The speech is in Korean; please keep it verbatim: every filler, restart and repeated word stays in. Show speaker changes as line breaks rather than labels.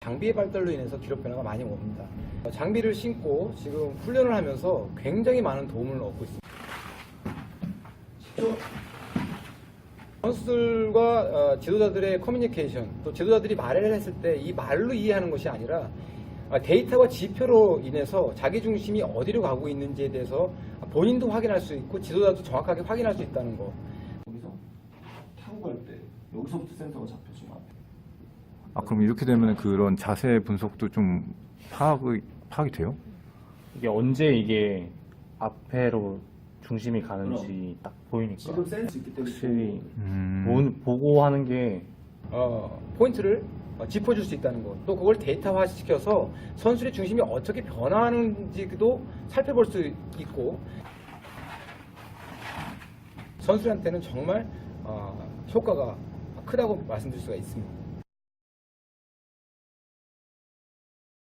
장비의 발달로 인해서 기록 변화가 많이 옵니다. 장비를 신고 지금 훈련을 하면서 굉장히 많은 도움을 얻고 있습니다. 선수들과 지도자들의 커뮤니케이션, 또 지도자들이 말을 했을 때 이 말로 이해하는 것이 아니라 데이터와 지표로 인해서 자기 중심이 어디로 가고 있는지에 대해서 본인도 확인할 수 있고 지도자도 정확하게 확인할 수 있다는 거.
여기서 타고 갈 때 여기서부터 센서가 잡혀주면 안 돼요.
아, 그럼 이렇게 되면 그런 자세 분석도 좀 파악이, 파악이 돼요?
이게 언제 이게 앞에로 중심이 가는지
그럼.
딱 보이니까
지금 센스 있기 때문에
확실히
음.
보- 보고 하는 게
어, 포인트를 어, 짚어줄 수 있다는 것, 또 그걸 데이터화 시켜서 선수의 중심이 어떻게 변화하는지도 살펴볼 수 있고, 선수한테는 정말 어, 효과가 크다고 말씀드릴 수가 있습니다.